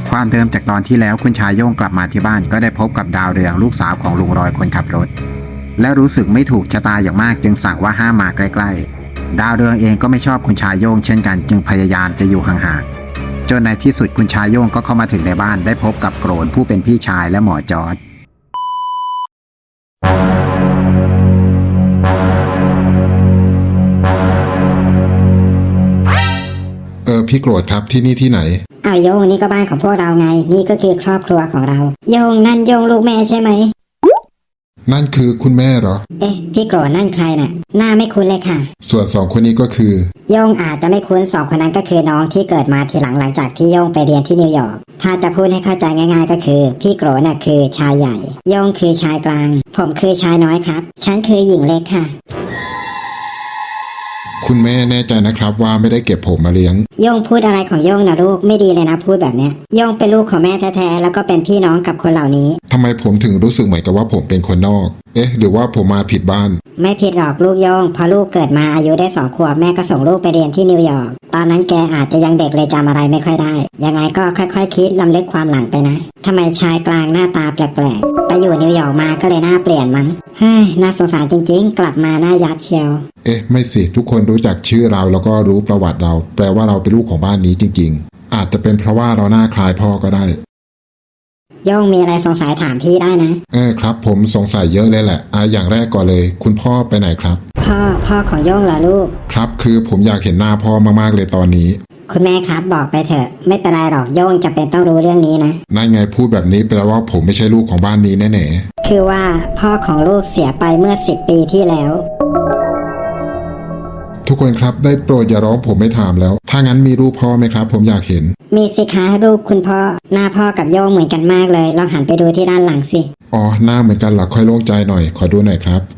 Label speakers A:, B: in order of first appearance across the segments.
A: ความเดิมจากตอนที่แล้วคุณชายโย่งกลับมาที่บ้านก็ได้พบกับดาวเรืองลูกสาวของลุงรอยคนขับรถและรู้สึกไม่ถูกชะตาอย่างมากจึงสั่งว่าห้ามมาใกล้ๆดาวเรืองเองก็ไม่ชอบคุณชายโย่งเช่นกันจึงพยายามจะอยู่ห่างๆจนในที่สุดคุณชายโย่งก็เข้ามาถึงในบ้านได้พบกับโกรนผู้เป็นพี่ชายและหมอจอร์จ
B: พี่โกรธครับที่นี่ที่ไหน
C: อ้าวโยงนี่ก็บ้านของพวกเราไงนี่ก็คือครอบครัวของเราโยงนั่นโยงลูกแม่ใช่ไหม
B: นั่นคือคุณแม่เหรอ
C: พี่โกรธนั่นใครน่ะหน้าไม่คุ้นเลยค่ะ
B: ส่วนสองคนนี้ก็คือ
C: โยงอาจจะไม่คุ้นสองคนนั้นก็คือน้องที่เกิดมาทีหลังจากที่โยงไปเรียนที่นิวยอร์กถ้าจะพูดให้เข้าใจง่ายๆก็คือพี่โกรธน่ะคือชายใหญ่โยงคือชายกลางผมคือชายน้อยครับฉันคือหญิงเล็กค่ะ
B: คุณแม่แน่ใจนะครับว่าไม่ได้เก็บผมมาเลี้ยง
C: โย่งพูดอะไรของโย่งนะลูกไม่ดีเลยนะพูดแบบเนี้ยโย่งเป็นลูกของแม่แท้ๆแล้วก็เป็นพี่น้องกับคนเหล่านี้
B: ทำไมผมถึงรู้สึกเหมือนกับว่าผมเป็นคนนอกหรือว่าผมมาผิดบ้าน
C: ไม่ผิดหรอกลูกโย่งพอลูกเกิดมาอายุได้2 ขวบแม่ก็ส่งลูกไปเรียนที่นิวยอร์กตอนนั้นแกอาจจะยังเด็กเลยจำอะไรไม่ค่อยได้ยังไงก็ค่อยๆคิดลำลึกความหลังไปนะทำไมชายกลางหน้าตาแปลกๆไปอยู่นิวยอร์กมาก็เลยหน้าเปลี่ยนมั้งเฮ้ยน่าสงสารจริงๆกลับมาหน้ายับเชียว
B: ไม่สิทุกคนรู้จักชื่อเราแล้วก็รู้ประวัติเราแปลว่าเราเป็นลูกของบ้านนี้จริงๆอาจจะเป็นเพราะว่าเราหน้าคล้ายพ่อก็ได้
C: โย่งมีอะไรสงสัยถามพี่ได้นะครับ
B: ผมสงสัยเยอะเลยแหละอย่างแรกก่อนเลยคุณพ่อไปไหนครับ
C: พ่อของโย่งเหรอลูก
B: ครับคือผมอยากเห็นหน้าพ่อมากๆเลยตอนนี้
C: คุณแม่ครับบอกไปเถอะไม่เป็นไรหรอกโย่งจะเป็นต้องรู้เรื่องนี้นะ
B: นั่นไงพูดแบบนี้แปลว่าผมไม่ใช่ลูกของบ้านนี้แน่
C: ๆคือว่าพ่อของลูกเสียไปเมื่อ10 ปีที่แล้ว
B: ทุกคนครับได้โปรดอย่าร้องผมไม่ถามแล้วถ้างั้นมีรูปพ่อไหมครับผมอยากเห็น
C: มีสิคะรูปคุณพ่อหน้าพ่อกับโย่งเหมือนกันมากเลยลองหันไปดูที่ด้านหลังสิ
B: หน้าเหมือนกันหรอค่อยโล่งใจหน่อยขอดูหน่อยครับ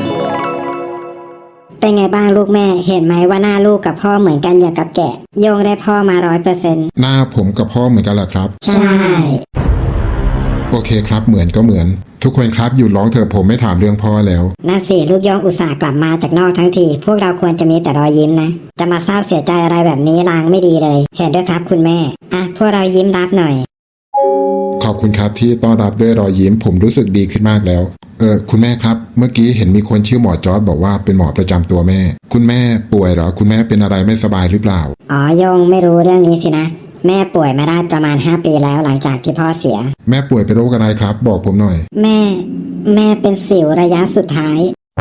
C: เป็นไงบ้างลูกแม่เห็นไหมว่าหน้าลูกกับพ่อเหมือนกันอย่างกับแกะโย่งได้พ่อมา100%
B: หน้าผมกับพ่อเหมือนกันเหรอครับ
C: ใช่
B: โอเคครับเหมือนก็เหมือนทุกคนครับหยุดร้องเถอะผมไม่ถามเรื่องพ่อแล้ว
C: นั่นสิลูกโย่งอุตส่าห์กลับมาจากนอกทั้งทีพวกเราควรจะมีแต่รอยยิ้มนะจะมาเศร้าเสียใจอะไรแบบนี้ลางไม่ดีเลยเห็นด้วยครับคุณแม่พวกเรายิ้มรับหน่อย
B: ขอบคุณครับที่ต้อนรับด้วยรอยยิ้มผมรู้สึกดีขึ้นมากแล้วคุณแม่ครับเมื่อกี้เห็นมีคนชื่อหมอจอร์จบอกว่าเป็นหมอประจำตัวแม่คุณแม่ป่วยเหรอคุณแม่เป็นอะไรไม่สบายหรือเปล่า
C: โย่งไม่รู้เรื่องนี้สินะแม่ป่วยมาได้ประมาณ5 ปีแล้วหลังจากที่พ่อเสีย
B: แม่ป่วยเป็นโรคอะไรครับบอกผมหน่อย
C: แม่เป็นสิวระยะสุดท้าย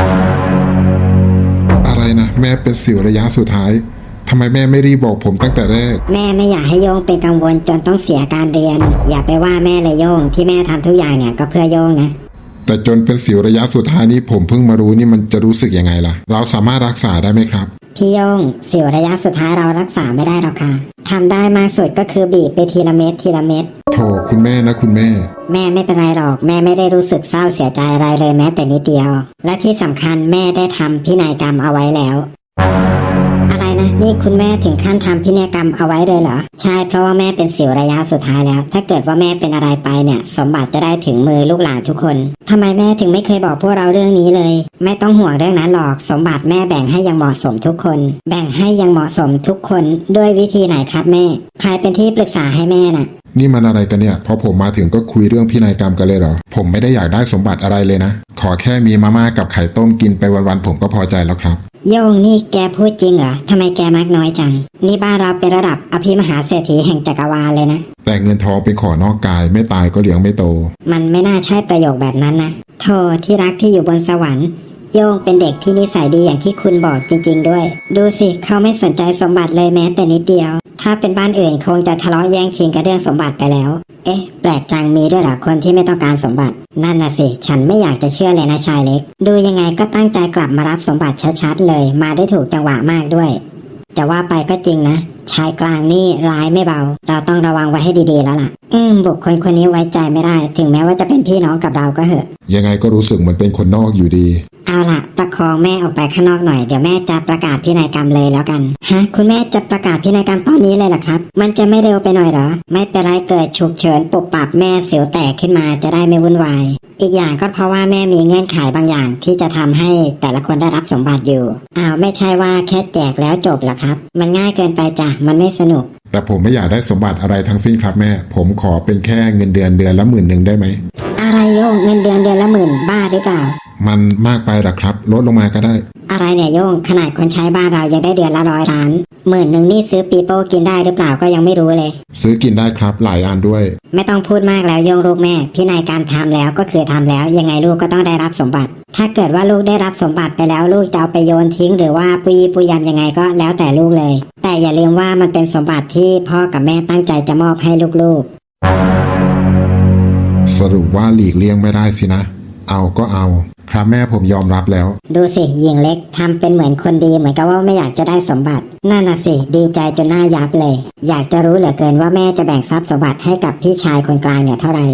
B: อะไรนะแม่เป็นสิวระยะสุดท้ายทำไมแม่ไม่รีบบอกผมตั้งแต่แรก
C: แม่ไม่อยากให้โย่งเป็นกังวลจนต้องเสียการเรียนอย่าไปว่าแม่เลยโย่งที่แม่ทำทุกอย่างเนี่ยก็เพื่อโย่งนะ
B: แต่จนเป็นสิวระยะสุดท้ายนี้ผมเพิ่งมารู้นี่มันจะรู้สึกยังไงล่ะเราสามารถรักษาได้ไหมครับ
C: พี่โย่งสิวระยะสุดท้ายเรารักษาไม่ได้หรอกค่ะทำได้มากสุดก็คือบีบไปทีละเม็ดทีละเม็ด
B: โธ่คุณแม่นะคุณแม่
C: ไม่เป็นไรหรอกแม่ไม่ได้รู้สึกเศร้าเสียใจอะไรเลยแม้แต่นิดเดียวและที่สำคัญแม่ได้ทำพินัยกรรมเอาไว้แล้วอะไรนะนี่คุณแม่ถึงขั้นทำพินัยกรรมเอาไว้เลยเหรอใช่เพราะว่าแม่เป็นสิวระยะสุดท้ายแล้วถ้าเกิดว่าแม่เป็นอะไรไปเนี่ยสมบัติจะได้ถึงมือลูกหลานทุกคนทำไมแม่ถึงไม่เคยบอกพวกเราเรื่องนี้เลยไม่ต้องห่วงเรื่องนั้นหรอกสมบัติแม่แบ่งให้อย่างเหมาะสมทุกคนแบ่งให้อย่างเหมาะสมทุกคนด้วยวิธีไหนครับแม่ใครเป็นที่ปรึกษาให้แม่น่ะ
B: นี่มันอะไรกันเนี่ยพอผมมาถึงก็คุยเรื่องพินัยกรรมกันเลยเหรอผมไม่ได้อยากได้สมบัติอะไรเลยนะขอแค่มีมาม่ากับไข่ต้มกินไปวันๆผมก็พอใจแล้วครับ
C: โย่งนี่แกพูดจริงเหรอทำไมแกมักน้อยจังนี่บ้านเราเป็นระดับอภิมหาเศรษฐีแห่งจักรวาลเลยนะ
B: แต่เงินทองเป็นของนอกกายไม่ตายก็เลี้ยงไม่โต
C: มันไม่น่าใช่ประโยคแบบนั้นนะโธ่ที่รักที่อยู่บนสวรรค์โย่งเป็นเด็กที่นิสัยดีอย่างที่คุณบอกจริงๆด้วยดูสิเขาไม่สนใจสมบัติเลยแม้แต่นิดเดียวถ้าเป็นบ้านอื่นคงจะทะเลาะแย่งชิงกันเรื่องสมบัติไปแล้วแปลกจังมีด้วยเหรอคนที่ไม่ต้องการสมบัตินั่นน่ะสิฉันไม่อยากจะเชื่อเลยนะชายเล็กดูยังไงก็ตั้งใจกลับมารับสมบัติชัดๆเลยมาได้ถูกจังหวะมากด้วยจะว่าไปก็จริงนะชายกลางนี่ร้ายไม่เบาเราต้องระวังไว้ให้ดีๆแล้วล่ะบุคคลคนนี้ไว้ใจไม่ได้ถึงแม้ว่าจะเป็นพี่น้องกับเราก็เหอะ
B: ยังไงก็รู้สึกเหมือนเป็นคนนอกอยู่ดี
C: เอาล่ะประคองแม่ออกไปข้างนอกหน่อยเดี๋ยวแม่จะประกาศพินัยกรรมเลยแล้วกันคุณแม่จะประกาศพินัยกรรมตอนนี้เลยเหรอครับมันจะไม่เร็วไปหน่อยเหรอไม่เป็นไรเกิดฉุกเฉินปุบปับแม่เสียวแตกขึ้นมาจะได้ไม่วุ่นวายอีกอย่างก็เพราะว่าแม่มีเงื่อนไขบางอย่างที่จะทำให้แต่ละคนได้รับสมบัติอยู่ไม่ใช่ว่าแค่แจกแล้วจบหรอกครับมันง่ายเกินไปจ้ะมันไม่สนุก
B: แต่ผมไม่อยากได้สมบัติอะไรทั้งสิ้นครับแม่ผมขอเป็นแค่เงินเดือนละ10,000ได้ไหม
C: อะไรโยงเงินเดือนละ10,000บ้าหรือเปล่า
B: มันมากไปหรอครับลดลงมาก็ได้
C: อะไรเนี่ยโยงขนาดคนใช้บ้านเรายังได้เดือนละ100 ล้าน10,000นี่ซื้อปีโป้กินได้หรือเปล่าก็ยังไม่รู้เลย
B: ซื้อกินได้ครับหลายอันด้วย
C: ไม่ต้องพูดมากแล้วโยงลูกแม่พินัยกรรมทำแล้วก็คือทำแล้วยังไงลูกก็ต้องได้รับสมบัติถ้าเกิดว่าลูกได้รับสมบัติไปแล้วลูกจะเอาไปโยนทิ้งหรือว่าปุยยำยังไงก็แล้วแต่ลูกเลยแต่อย่าลืมว่ามันเป็นสมบัติที่พ่อกับแม่ตั้งใจจะมอบให้ลูก
B: ๆสรุปว่าหลีกเลี่ยงไม่ได้สินะเอาก็เอาครับแม่ผมยอมรับแล้ว
C: ดูสิหญิงเล็กทำเป็นเหมือนคนดีเหมือนกับว่าไม่อยากจะได้สมบัตินั่นน่ะสิดีใจจนหน้ายับเลยอยากจะรู้เหลือเกินว่าแม่จะแบ่งทรัพย์สมบัติให้กับพี่ชายคนกลางเนี่ยเท่าไหร่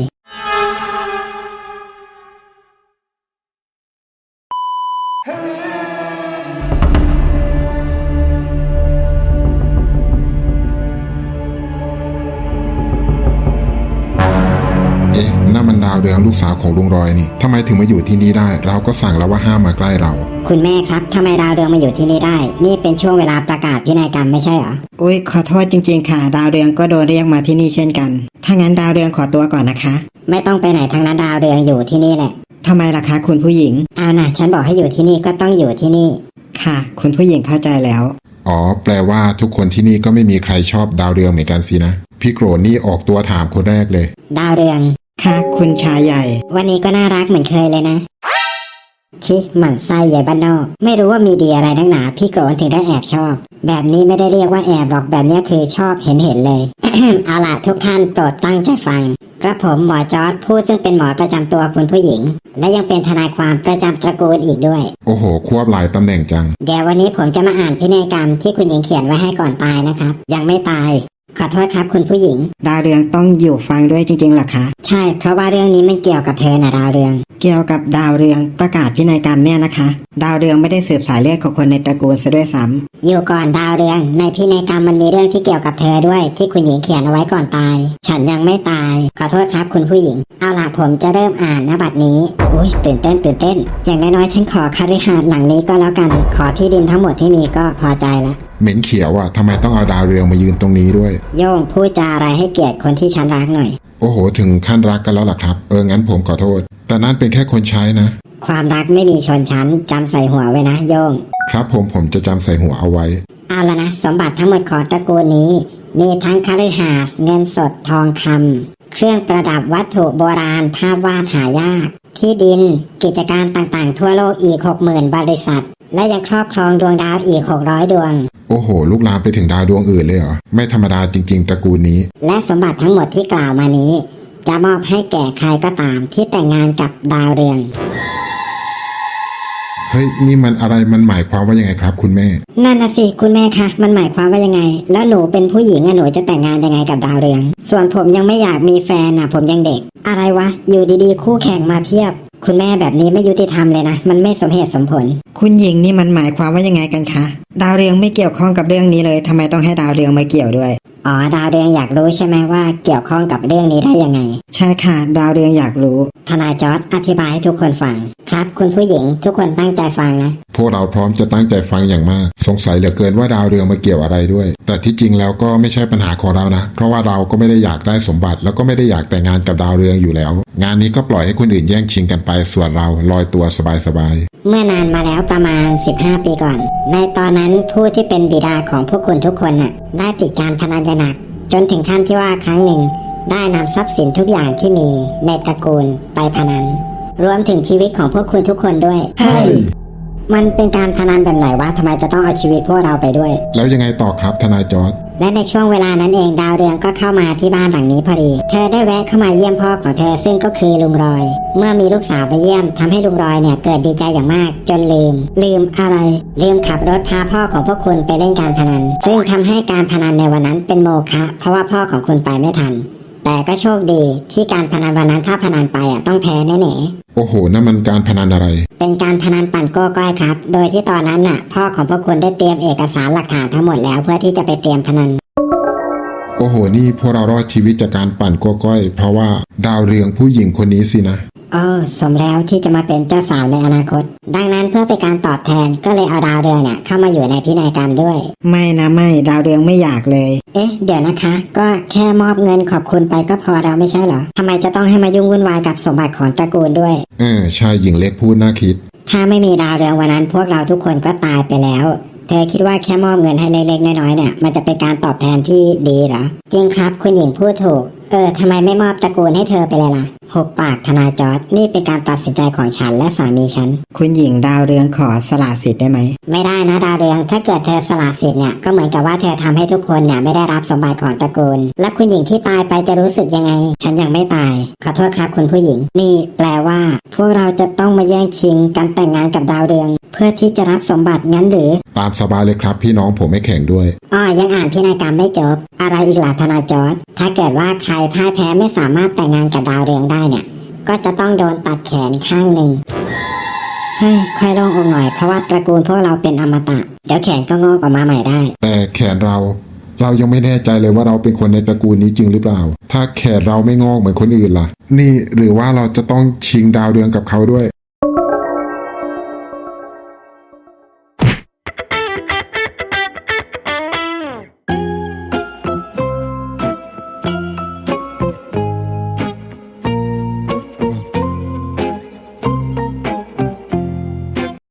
B: นั่นมันดาวเรืองลูกสาวของลุงรอยนี่ทำไมถึงมาอยู่ที่นี่ได้เราก็สั่งแล้วว่าห้ามมาใกล้เรา
C: คุณแม่ครับทำไมดาวเรืองมาอยู่ที่นี่ได้นี่เป็นช่วงเวลาประกาศพินัยกรรมไม่ใช่เหรอ
D: อุ๊ยขอโทษจริงๆค่ะดาวเรืองก็โดนเรียกมาที่นี่เช่นกันถ้างั้นดาวเรืองขอตัวก่อนนะคะ
C: ไม่ต้องไปไหนทั้งนั้นดาวเรืองอยู่ที่นี่แหละ
D: ทำไมล่ะคะคุณผู้หญิง
C: เอานะฉันบอกให้อยู่ที่นี่ก็ต้องอยู่ที่นี่
D: ค่ะคุณผู้หญิงเข้าใจแล้ว
B: อ๋อแปลว่าทุกคนที่นี่ก็ไม่มีใครชอบดาวเรืองเหมือนกันสินะพี่โกรธนี่ออกตัวถามคนแรกเลย
C: ดาวเรือง
D: ค่ะคุณชายใหญ่
C: วันนี้ก็น่ารักเหมือนเคยเลยนะชิหมั่นไส้ใหญ่บ้านนอกไม่รู้ว่ามีดีอะไรนักหนาพี่โกรธถึงได้แอบชอบแบบนี้ไม่ได้เรียกว่าแอบหรอกแบบนี้คือชอบเห็นเลย เอาล่ะทุกท่านโปรดตั้งใจฟังกระผมหมอจอร์จผู้ซึ่งเป็นหมอประจำตัวคุณผู้หญิงและยังเป็นทนายความประจำตระกูลอีกด้วย
B: โอ้โหควบหลายตำแหน่งจัง
C: เดี๋ยววันนี้ผมจะมาอ่านพินัยกรรมที่คุณหญิงเขียนไว้ให้ก่อนตายนะครับยังไม่ตายขอโทษครับคุณผู้หญิง
D: ดาวเรืองต้องอยู่ฟังด้วยจริงๆหรอคะ
C: ใช่เพราะว่าเรื่องนี้มันเกี่ยวกับเธอนะดาวเรือง
D: เกี่ยวกับดาวเรืองประกาศพินัยกรรมเนี่ยนะคะดาวเรืองไม่ได้สืบสายเลือดของคนในตระกูลซะด้วยซ้ำ
C: อยู่ก่อนดาวเรืองในพินัยกรรมมันมีเรื่องที่เกี่ยวกับเธอด้วยที่คุณหญิงเขียนเอาไว้ก่อนตายฉันยังไม่ตายขอโทษครับคุณผู้หญิงเอาล่ะผมจะเริ่มอ่านนะบัดนี้อุ้ยตื่นเต้นอย่างน้อยๆฉันขอคฤหาสน์หลังนี้ก็แล้วกันขอที่ดินทั้งหมดที่มีก็พอใจละ
B: เหม็นเขียวอ่ะทำไมต้องเอาดาวเรืองมายืนตรงนี้ด้วย
C: โย่งพูดจาอะไรให้เกียรติคนที่ฉันรักหน่อย
B: โอ้โหถึงขั้นรักกันแล้วล่ะครับงั้นผมขอโทษแต่นั่นเป็นแค่คนใช้นะ
C: ความรักไม่มีชนชั้นจำใส่หัวไว้นะโย่ง
B: ครับผมจะจำใส่หัวเอาไว้
C: เอาละนะสมบัติทั้งหมดของตระกูลนี้มีทั้งคฤหาสน์เงินสดทองคำเครื่องประดับวัตถุโบราณภาพวาดหายากที่ดินกิจการต่างๆทั่วโลกอีก 60,000 บริษัทและยังครอบครองดวงดาวอีก600 ดวง
B: โอ้โหลุกลามไปถึงดาวดวงอื่นเลยเหรอไม่ธรรมดาจริงๆตระกูลนี้
C: และสมบัติทั้งหมดที่กล่าวมานี้จะมอบให้แก่ใครก็ตามที่แต่งงานกับดาวเรือง
B: เฮ้ยนี่มันอะไรมันหมายความว่ายังไงครับคุณแม่
C: นั่นน่ะสิคุณแม่คะมันหมายความว่ายังไงแล้วหนูเป็นผู้หญิงหนูจะแต่งงานยังไงกับดาวเรืองส่วนผมยังไม่อยากมีแฟนผมยังเด็กอะไรวะอยู่ดีๆคู่แข่งมาเพียบคุณแม่แบบนี้ไม่ยุติธรรมเลยนะมันไม่สมเหตุสมผล
D: คุณหญิงนี่มันหมายความว่ายังไงกันคะดาวเรืองไม่เกี่ยวข้องกับเรื่องนี้เลยทำไมต้องให้ดาวเรืองมาเกี่ยวด้วย
C: อ๋อดาวเรืองอยากรู้ใช่ไหมว่าเกี่ยวข้องกับเรื่องนี้ได้ยังไง
D: ใช่ค่ะดาวเรืองอยากรู้
C: ทนายจอร์จอธิบายให้ทุกคนฟังครับคุณผู้หญิงทุกคนตั้งใจฟังนะ
B: พวกเราพร้อมจะตั้งใจฟังอย่างมากสงสัยเหลือเกินว่าดาวเรืองมาเกี่ยวอะไรด้วยแต่ที่จริงแล้วก็ไม่ใช่ปัญหาของเรานะเพราะว่าเราก็ไม่ได้อยากได้สมบัติแล้วก็ไม่ได้อยากแต่งงานกับดาวเรืองอยู่แล้วงานนี้ก็ปล่อยให้คนอื่นแย่งชิงกันไปส่วนเราลอยตัวสบาย
C: เมื่อนานมาแล้วประมาณ15 ปีก่อนในตอนนั้นผู้ที่เป็นบิดาของพวกคุณทุกคนได้ติดการพนันอย่างหนักจนถึงขั้นที่ว่าครั้งหนึ่งได้นำทรัพย์สินทุกอย่างที่มีในตระกูลไปพนันรวมถึงชีวิตของพวกคุณทุกคนด้วย
B: เฮ้ย
C: มันเป็นการพนันแบบไหนวะทำไมจะต้องเอาชีวิตพวกเราไปด้วย
B: แล้วยังไงต่อครับทนายจอร์จ
C: และในช่วงเวลานั้นเองดาวเรืองก็เข้ามาที่บ้านหลังนี้พอดีเธอได้แวะเข้ามาเยี่ยมพ่อของเธอซึ่งก็คือลุงรอยเมื่อมีลูกสาวไปเยี่ยมทำให้ลุงรอยเนี่ยเกิดดีใจอย่างมากจนลืมอะไรลืมขับรถพาพ่อของพวกคุณไปเล่นการพนันซึ่งทำให้การพนันในวันนั้นเป็นโมฆะเพราะว่าพ่อของคุณไปไม่ทันแต่ก็โชคดีที่การพนันวันนั้นถ้าพนันไปต้องแพ้แน่ๆ
B: โอ้โหนั่นมันการพนันอะไร
C: เป็นการพนันปั่นโก้ก้อยครับโดยที่ตอนนั้นพ่อของพวกคุณได้เตรียมเอกสารหลักฐานทั้งหมดแล้วเพื่อที่จะไปเตรียมพนัน
B: โอ้โหนี่พวกเรารอดชีวิตจากการปั่นโก้ก้อยเพราะว่าดาวเรืองผู้หญิงคนนี้สินะ
C: สมแล้วที่จะมาเป็นเจ้าสาวในอนาคต ดังนั้นเพื่อเป็นการตอบแทนก็เลยเอาดาวเรืองเนี่ยเข้ามาอยู่ในพินัยกรรมด้วย
D: ไม่นะไม่ดาวเรืองไม่อยากเลย
C: เดี๋ยวนะคะ ก็แค่มอบเงินขอบคุณไปก็พอแล้วไม่ใช่เหรอทำไมจะต้องให้มายุ่งวุ่นวายกับสมบัติของตระกูลด้วย
B: ชายหญิงเล็กพูดน่าคิด
C: ถ้าไม่มีดาวเรืองวันนั้นพวกเราทุกคนก็ตายไปแล้ว เธอคิดว่าแค่มอบเงินให้เล็กๆน้อยๆเนี่ยมันจะเป็นการตอบแทนที่ดีเหรอ จริงครับคุณหญิงพูดถูก ทำไมไม่มอบตระกูลให้เธอไปเลยล่ะหุบปากทนายจอร์จนี่เป็นการตัดสินใจของฉันและสามีฉัน
D: คุณหญิงดาวเรืองขอสละสิทธิ์ได้ไหม
C: ไม่ได้นะดาวเรืองถ้าเกิดเธอสละสิทธิ์เนี่ยก็เหมือนกับว่าเธอทำให้ทุกคนเนี่ยไม่ได้รับสมบัติของตระกูล และคุณหญิงที่ตายไปจะรู้สึกยังไง ฉันยังไม่ตายขอโทษครับคุณผู้หญิงนี่แปลว่า พวกเราจะต้องมาแย่งชิงการแต่งงานกับดาวเรือง เพื่อที่จะรับสมบัติงั้นหรือ
B: ตามสบายเลยครับพี่น้องผมไม่แข่งด้วย
C: ยังอ่านพินัยกรรมไม่จบอะไรอีกล่ะทนายจอร์จถ้าเกิดว่าใครพ่ายแพ้ไม่สามารถแต่งงานกับดาวเรืองได้เนี่ยก็จะต้องโดนตัดแขนข้างหนึ่งค่อยโล่งอกหน่อยเพราะว่าตระกูลพวกเราเป็นอมตะเดี๋ยวแขนก็งอกออกมาใหม่ได้
B: แต่แขนเรายังไม่แน่ใจเลยว่าเราเป็นคนในตระกูลนี้จริงหรือเปล่า ถ้าแขนเราไม่งอกเหมือนคนอื่นล่ะ นี่หรือว่าเราจะต้องชิงดาวเรืองกับเขาด้วย